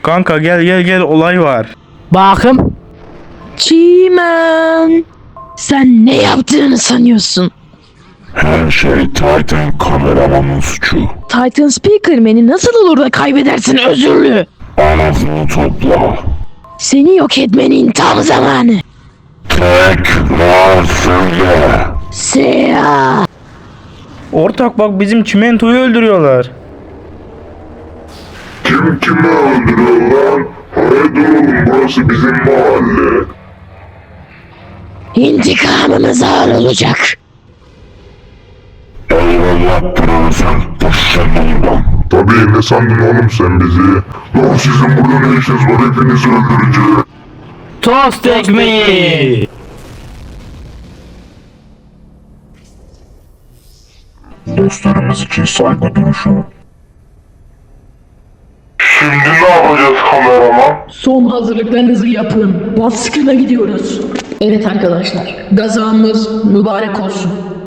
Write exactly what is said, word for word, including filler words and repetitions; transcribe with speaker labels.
Speaker 1: Kanka gel gel gel, olay var.
Speaker 2: Bakım. Çimen. Sen ne yaptığını sanıyorsun?
Speaker 3: Her şey Titan kameramanın suçu.
Speaker 2: Titan Speakerman'i nasıl olur da kaybedersin özürlü?
Speaker 3: Ağzını topla.
Speaker 2: Seni yok etmenin tam zamanı.
Speaker 3: Tekrar söyle.
Speaker 2: Siyah.
Speaker 1: Ortak bak, bizim çimentoyu öldürüyorlar.
Speaker 3: Kim kimi öldürüyor lan? Haydi oğlum, burası bizim mahalle.
Speaker 2: İntikamımız ağır olacak.
Speaker 3: Eyvallah profesör. Taşıyalım lan. Tabii, ne sandın oğlum sen bizi? Lan sizin burada ne işiniz var? Hepinizi öldüreceğim.
Speaker 1: Tost ekmeği.
Speaker 3: Dostlarımız için saygı duruşu. Şimdi ne yapacağız kameraman?
Speaker 2: Son hazırlıklarınızı yapın. Baskına gidiyoruz. Evet arkadaşlar, gazamız mübarek olsun.